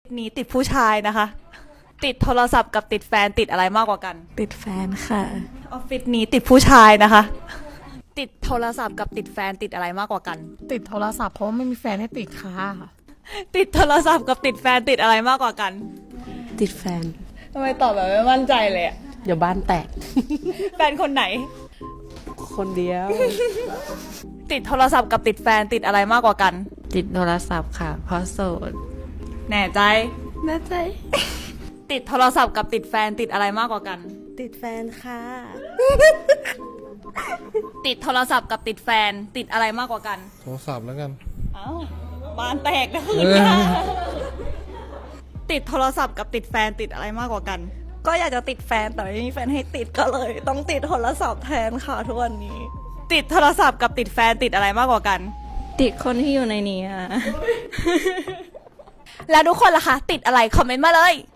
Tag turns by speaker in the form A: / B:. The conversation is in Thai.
A: นี้ติดผู้ชายนะคะ ติดโทรศัพท์กับติดแฟนติดอะไรมากกว่ากัน
B: ติดแฟนค่ะ
A: ออฟฟิศนี้ติดผู้ชายนะคะ ติดโทรศัพท์กับติดแฟนติดอะไรมากกว่ากัน
C: ติดโทรศัพท์เพราะว่าไม่มีแฟนให้ติดค่ะ
A: ติดโทรศัพท์กับติดแฟนติดอะไรมากกว่ากัน
B: ติดแฟน
A: ทำไมตอบแบบไม่มั่นใจเลยอะ
B: เดี๋ยวบ้านแตก
A: แฟนคนไหน
B: คนเดียว
A: ติดโทรศัพท์กับติดแฟนติดอะไรมากกว่ากัน
B: ติดโทรศัพท์ค่ะ เพราะโสด
A: แน่ใจ
B: แน่ใจ
A: ติดโทรศัพท์กับติดแฟนติดอะไรมากกว่ากัน
B: ติดแฟนค่ะ
A: ติดโทรศัพท์กับติดแฟนติดอะไรมากกว่ากัน
D: โทรศัพท์แล้วกัน
A: เอ้าบ้านแตกนะคืนนี้ติดโทรศัพท์กับติดแฟนติดอะไรมากกว่ากัน
E: ก็อยากจะติดแฟนแต่ไม่มีแฟนให้ติดก็เลย ต้องติดโทรศัพท์แทนค่ะทุกวันนี้
A: ติดโทรศัพท์กับติดแฟนติดอะไรมากกว่ากัน
E: ติดคนที่อยู่ในนี้อะ
A: แล้วทุกคนล่ะคะติดอะไรคอมเมนต์มาเลย